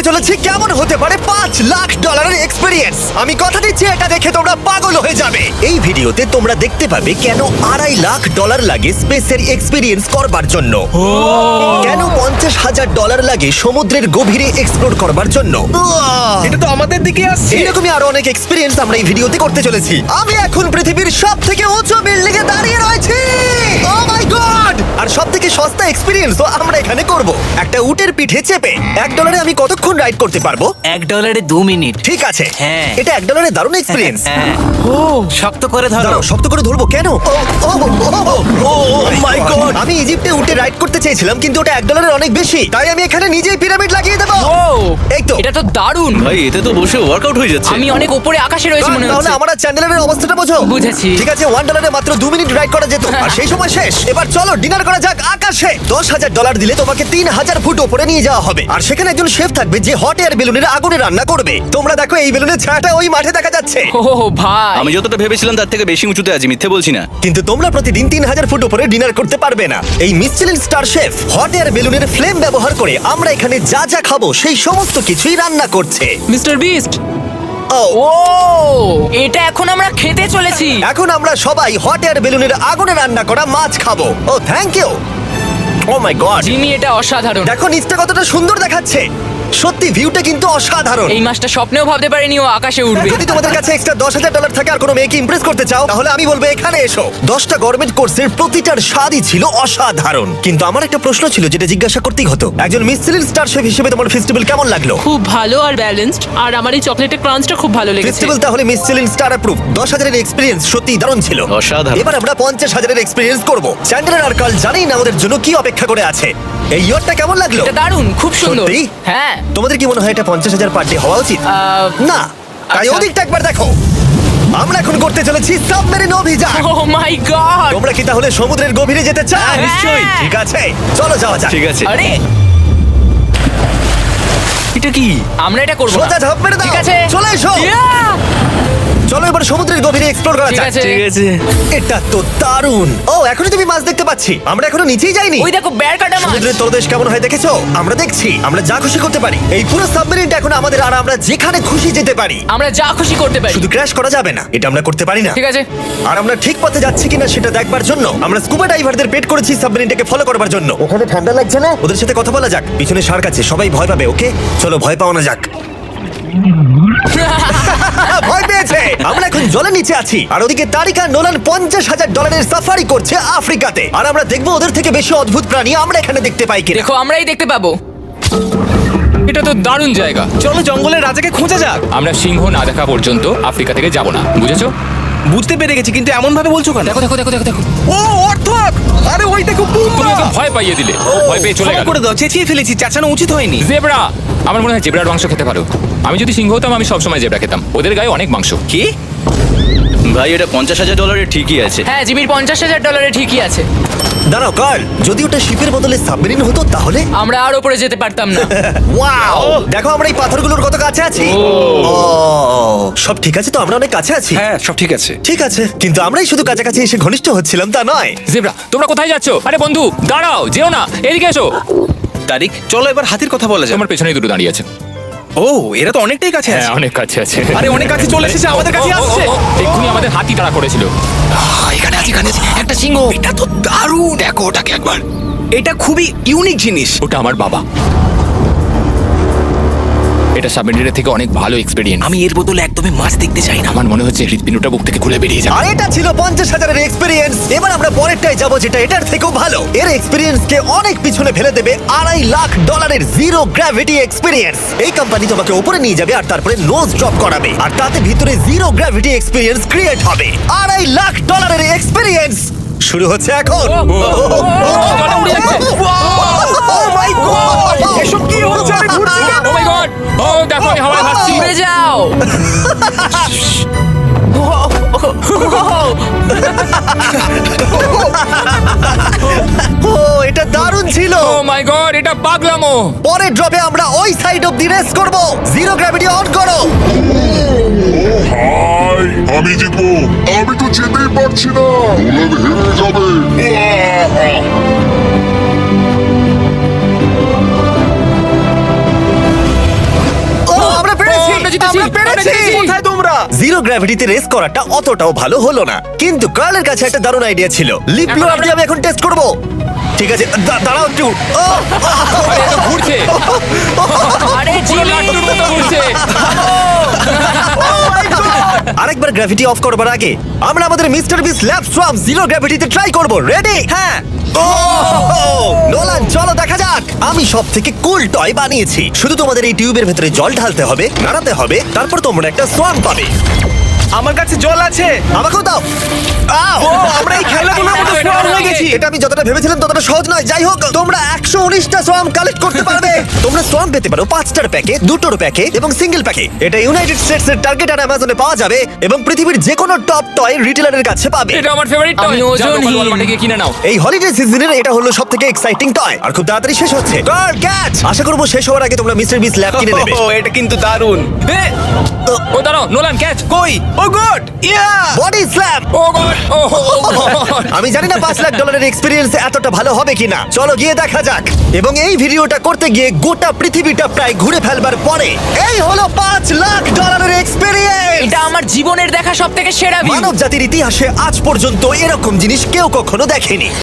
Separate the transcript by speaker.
Speaker 1: করতে চলেছি কেমন হতে পারে $5,00,000 এক্সপেরিয়েন্স। আমি কথা দিচ্ছি এটা দেখে তোমরা পাগল হয়ে যাবে। এই ভিডিওতে তোমরা দেখতে পাবে কেন $2.5 লাখ লাগে স্পেসের এক্সপেরিয়েন্স করবার জন্য, কেন $50,000 লাগে সমুদ্রের গভীরে এক্সপ্লোর করবার জন্য।
Speaker 2: এটা তো আমাদের দিকে আসছে।
Speaker 1: এইরকমই আরো অনেক এক্সপেরিয়েন্স আমরা এই ভিডিওতে করতে চলেছি। আমি এখন পৃথিবীর সবথেকে উঁচু বিল্ডিং এ দাঁড়িয়ে রয়েছি। ও মাই গড! আর সবথেকে সস্তা এক্সপেরিয়েন্সও আমরা এখানে করব। একটা উটের পিঠে চেপে $1 আমি কতক্ষণ রাইড করতে পারবো?
Speaker 3: $1 2 মিনিট।
Speaker 1: ঠিক আছে,
Speaker 3: হ্যাঁ।
Speaker 1: এটা $1 দারুণ এক্সপেরিয়েন্স।
Speaker 3: হ্যাঁ।
Speaker 2: ও শক্ত করে ধরো।
Speaker 1: দাঁড়াও, শক্ত করে ধরবো কেন? Oh my god! আমি ইজিপ্টে উটে রাইড করতে চেয়েছিলাম, কিন্তু ওটা $1 অনেক বেশি, তাই আমি এখানে নিজেই পিরামিড লাগিয়ে দেবো।
Speaker 4: ও
Speaker 1: এই তো।
Speaker 4: এটা তো দারুণ।
Speaker 5: ভাই এতে তো বসে ওয়ার্কআউট হয়ে যাচ্ছে।
Speaker 4: আমি অনেক উপরে আকাশে রয়েছি মনে
Speaker 1: তাহলে
Speaker 4: হচ্ছে।
Speaker 1: আমার আর চ্যান্ডেলের অবস্থাটা বোঝো।
Speaker 4: বুঝেছি।
Speaker 1: ঠিক আছে, $1 মাত্র 2 মিনিট রাইড করা যেত, আর সেই সময় শেষ। এবার চলো ডিনার করা যাক আকাশে। $10,000 দিলে তোমাকে 3,000 ফুট উপরে নিয়ে যাওয়া হবে, আর সেখানে একজন শেফ থাকবে যে হট এয়ার বেলুনের আগুনে রান্না করবে। তোমরা দেখো এই বেলুনের ছায়াটা ওই মাঠে দেখা যাচ্ছে।
Speaker 4: ও ভাই
Speaker 5: আমি যতটা ভেবেছিলাম তার থেকে বেশি উঁচুতে আছি, মিথ্যে বলছি না।
Speaker 1: কিন্তু তোমরা প্রতিদিন 3,000 ফুট উপরে ডিনার করতে পারবে না। এই Michelin star chef hot air বেলুনের ফ্লেম ব্যবহার করে আমরা এখানে যা যা খাবো সেই সমস্ত কিছুই রান্না করছে।
Speaker 4: Mister beast.
Speaker 1: ও
Speaker 4: ও এটা এখন আমরা খেতে চলেছি।
Speaker 1: এখন আমরা সবাই হট এয়ার বেলুনের আগুনে রান্না করা মাছ খাবো। Oh thank you. Oh my god,
Speaker 4: Jimmy এটা অসাধারণ।
Speaker 1: দেখো নিচটা কতটা সুন্দর দেখাচ্ছে। সত্যি ভিউটা কিন্তু অসাধারণ।
Speaker 4: এই মাসটা স্বপ্নেও ভাবতে পারিনি ও আকাশে উঠবে।
Speaker 1: যদি তোমাদের কাছে এক্সট্রা $10,000 থাকে আর কোনো মেয়েকে ইমপ্রেস করতে চাও, তাহলে আমি বলবো এখানে এসো। 10টা গভর্নমেন্ট কোর্সের প্রতিটার স্বাদই ছিল অসাধারণ। কিন্তু আমার একটা প্রশ্ন ছিল যেটা জিজ্ঞাসা করতেই হতো, একজন মিচেলিন স্টার শেফ হিসেবে তোমার ফেস্টিভ্যাল কেমন লাগলো?
Speaker 6: খুব ভালো আর ব্যালেন্সড, আর আমার এই চকলেটের ক্রাঞ্চটা খুব ভালো লেগেছে।
Speaker 1: ফেস্টিভ্যাল তাহলে মিচেলিন স্টার অ্যাপ্রুভ। 10,000 এক্সপেরিয়েন্স সত্যি দারুণ ছিল।
Speaker 5: অসাধারণ।
Speaker 1: এবার আমরা 50,000 এক্সপেরিয়েন্স করব। চ্যান্ডেলার আর কার্ল জানেই না ওদের জন্য কি অপেক্ষা করে আছে। এই ইয়ারটা কেমন লাগলো?
Speaker 4: এটা দারুণ, খুব সুন্দর।
Speaker 1: সত্যি?
Speaker 4: হ্যাঁ।
Speaker 1: তোমাদের কি মনে হয় এটা 50,000 পার ডে হওয়া উচিত? না, তাই
Speaker 4: আচ্ছা।
Speaker 1: ওদিকটা একবার দেখো। আমরা এখন করতে চলেছি সাবমেরিন অভিযান।
Speaker 4: Oh my god.
Speaker 1: তোমরা কি তাহলে সমুদ্রের গভীরে যেতে চাও?
Speaker 4: হ্যাঁ।
Speaker 1: নিশ্চয়ই। ঠিক আছে, চলো যাওয়া যাক।
Speaker 5: ঠিক আছে।
Speaker 4: আরে
Speaker 5: এটা কি?
Speaker 4: আমরা এটা করব না।
Speaker 1: সোজা ঝাঁপ মেরে দাও।
Speaker 4: ঠিক আছে,
Speaker 1: চলে এসো।
Speaker 4: Yeah!
Speaker 1: চলো এবার সমুদ্রের গভীরে এক্সপ্লোর করা
Speaker 4: ঠিক
Speaker 1: যাক।
Speaker 4: আছে।
Speaker 5: ঠিক আছে।
Speaker 1: এটা তো দারুণ। ও এখনই তুমি মাছ দেখতে পাচ্ছি, আমরা এখনো নিচেই যাইনি।
Speaker 4: ওই দেখো বেড় কাটা মাছ।
Speaker 1: সমুদ্রের তলদেশ কেমন হয় দেখেছো? আমরা দেখছি, আমরা যা খুশি করতে পারি। এই পুরো সাবমেরিনটা এখন আমাদের, আর আমরা যেখানে খুশি যেতে পারি।
Speaker 4: আমরা যা খুশি করতে পারি।
Speaker 1: শুধু ক্র্যাশ করা যাবে না, এটা আমরা করতে পারি না।
Speaker 4: ঠিক আছে।
Speaker 1: আর আমরা ঠিক পথে যাচ্ছি কিনা সেটা দেখবার জন্য আমরা স্কুবা ডাইভারদের পেড করেছি সাবমেরিনটাকে ফলো করবার জন্য। ওখানে ঠান্ডা লাগছে না? ওদের সাথে কথা বলা যাক। পিছনে শার্ক আছে, সবাই ভয় পাবে। ওকে চলো ভয় পাও না যাক। ভয় পেয়েছে। আমরা এখন জলের নিচে আছি, আর ওদিকে তারিকা নোলান $50,000 সাফারি করছে আফ্রিকাতে। আর আমরা দেখবো ওদের থেকে বেশি অদ্ভুত প্রাণী আমরা এখানে দেখতে পাই কিনা।
Speaker 4: দেখো আমরাই দেখতে পাবো।
Speaker 7: এটা তো দারুণ জায়গা।
Speaker 2: চলো জঙ্গলের রাজাকে খোঁজা যাক।
Speaker 7: আমরা সিংহ না দেখা পর্যন্ত আফ্রিকা থেকে যাব না, বুঝেছো?
Speaker 2: বুঝতে পেরে গেছি, কিন্তু এমন ভাবে বলছো কেন?
Speaker 4: দেখো দেখো দেখো দেখো দেখো।
Speaker 2: ও অর্থক! আরে ওই দেখো
Speaker 7: তুমি
Speaker 2: পুম্বা!
Speaker 7: ওকে ভয় পাইয়ে দিলে, ও ভয় পেয়ে চলে
Speaker 2: ক্ষমা
Speaker 7: গেল।
Speaker 2: করে দাও, চেঁচিয়ে ফেলেছি, চেঁচানো উচিত হয়নি।
Speaker 7: জেব্রা, আমার মনে হয় জেব্রার মাংস খেতে পারো। আমি যদি সিংহ হতাম আমি সবসময় জেব্রা খেতাম, ওদের গায়ে অনেক মাংস।
Speaker 5: কি? ভাই এটা $50,000 ঠিকই আছে।
Speaker 4: হ্যাঁ জিমির $50,000 ঠিকই আছে।
Speaker 1: দাঁড়াও কার্ল, যদি ওটা শিপের বদলে সাবমেরিন হতো তাহলে?
Speaker 4: আমরা আর উপরে যেতে পারতাম না।
Speaker 1: ওয়াও, দেখো আমরা এই পাথরগুলোর কত কাছে আছি। ও সব ঠিক আছে তো? আমরা অনেক কাছে আছি।
Speaker 2: হ্যাঁ সব ঠিক আছে।
Speaker 1: ঠিক আছে, কিন্তু আমরাই শুধু কাছাকাছি এসে ঘনিষ্ঠ হচ্ছিলাম তা নয়।
Speaker 7: জেব্রা, তোমরা কোথায় যাচ্ছ? আরে বন্ধু দাঁড়াও, যেও না, এদিকে এসো।
Speaker 2: তারিক চলো এবার হাতির কথা বলা যাক।
Speaker 7: আমার পেছনেই দুটো দাঁড়িয়ে আছে।
Speaker 2: ও এরা তো অনেকটাই কাছে
Speaker 7: হ্যাঁ
Speaker 2: আছে।
Speaker 7: অনেক কাছে আছে।
Speaker 2: আরে অনেক কাছে চলে এসেছে, আমাদের কাছে আসছে।
Speaker 7: এক্ষুনি আমাদের হাতি তাড়া করেছিল।
Speaker 2: এখানে আছে একটা সিংহ। এটা তো দারুণ, দেখো ওটাকে একবার। এটা খুবই ইউনিক জিনিস।
Speaker 7: ওটা আমার বাবা। এটা সাবমেরিনের থেকে অনেক ভালো এক্সপেরিয়েন্স।
Speaker 2: আমি এর বদলে একদমই মাছ দেখতে চাই না।
Speaker 7: আমার মনে হচ্ছে হৃৎপিণ্ডটা বুক থেকে খুলে বেরিয়ে যাবে।
Speaker 1: আর এটা ছিল 50,000 এক্সপেরিয়েন্স। এবার আমরা পরেরটাই যাবো, যেটা এটার থেকেও ভালো। এর এক্সপেরিয়েন্স কে অনেক পিছনে ফেলে দেবে। $2.5 লাখ জিরো গ্র্যাভিটি এক্সপেরিয়েন্স। এই কোম্পানি তোমাকে উপরে নিয়ে যাবে আর তারপরে নোজ ড্রপ করাবে, আর তাতে ভিতরে জিরো গ্র্যাভিটি এক্সপেরিয়েন্স ক্রিয়েট হবে। $2.5 লাখ এক্সপেরিয়েন্স শুরু হচ্ছে এখন।
Speaker 7: জলে উড়ে যাচ্ছে।
Speaker 1: Oh my God!
Speaker 2: এসব কি হচ্ছে? আমি ঘুরছি কেন?
Speaker 7: Oh my god! ও দেখো আমি হাওয়ায় ভাসছি।
Speaker 4: উড়ে যাও।
Speaker 1: ও এটা দারুণ ছিল।
Speaker 7: ও মাই গড, এটা পাগলামো।
Speaker 1: পরের ড্রপে আমরা ওই সাইড অফ দি রেস করব। জিরো গ্র্যাভিটি অন করো।
Speaker 8: হাই, আমি জিতবো। আমি তো যেতেই পারছি না, নোলান হেরে যাবে।
Speaker 1: জিরো গ্র্যাভিটিতে রেস করাটা অতটাও ভালো হলো না, কিন্তু কার্লের কাছে একটা দারুণ আইডিয়া ছিল। লিপ ব্লোয়ার দিয়ে আমি এখন টেস্ট করব। ঠিক আছে, দাঁড়াও একটু।
Speaker 7: আরে, এ তো ঘুরছে।
Speaker 4: আরে
Speaker 7: পুরো লাট্টুর মতো ঘুরছে।
Speaker 1: আরেকবার গ্র্যাভিটি অফ করবার আগে আমরা আমাদের mister Beast lab swarm zero গ্র্যাভিটিতে ট্রাই করব। রেডি?
Speaker 2: হ্যাঁ।
Speaker 1: নোলান, চলো দেখা যাক। আমি সব থেকে কুল টয় বানিয়েছি। শুধু তোমাদের এই টিউবের ভেতরে জল ঢালতে হবে, নাড়াতে হবে, তারপর তোমরা একটা সোয়াম পাবে।
Speaker 2: আমার কাছে জল আছে।
Speaker 1: আমাকেও দাও।
Speaker 2: ও, আমরা এই খেলাগুলোর মধ্যে
Speaker 7: এটা
Speaker 2: স্ট্রং
Speaker 7: ভালো
Speaker 2: হয়ে গেছি।
Speaker 1: এটা আমি যতটা ভেবেছিলাম ততটা সহজ নয়। যাই হোক, তোমরা 119টা সোয়াম কালেক্ট করতে পারবে। তোমরা সোয়াম পেতে পারো 5টার প্যাকে, 2টোর প্যাকে এবং সিঙ্গেল প্যাকে। এটা ইউনাইটেড স্টেটস এর টার্গেট আর অ্যামাজনে পাওয়া যাবে এবং পৃথিবীর যে কোনো টপ টয় রিটেলারের কাছে পাবে।
Speaker 7: এটা আমার ফেভারিট টয়।
Speaker 4: আমি ওজনহীন।
Speaker 7: ওয়ালমার্টে গিয়ে কিনে নাও।
Speaker 1: এই হলিডে সিজনের এটা হলো সবথেকে এক্সাইটিং টয় আর খুব তাড়াতাড়ি শেষ হচ্ছে। Girl catch! আশা করব শেষ হওয়ার আগে তোমরা মিস্টার বিস ল্যাব কিনে নেবে।
Speaker 2: ও, এটা কিন্তু দারুণ।
Speaker 7: এ, ও দাঁড়াও, নোলান ক্যাচ।
Speaker 2: কই? Oh god! Yeah!
Speaker 1: Body slam!
Speaker 7: Oh god, oh god.
Speaker 1: আমি জানি না $5 লাখ এক্সপেরিয়েন্স এতটা ভালো হবে কিনা। চলো গিয়ে দেখা যাক। এবং এই ভিডিওটা করতে গিয়ে গোটা পৃথিবীটা প্রায় ঘুরে ফেলবার পরে এই হলো $5 লাখ এক্সপেরিয়েন্স।
Speaker 4: এটা আমার জীবনের দেখা সব থেকে সেরা ভিউ।
Speaker 1: মানব জাতির ইতিহাসে আজ পর্যন্ত এরকম জিনিস কেউ কখনো দেখেনি।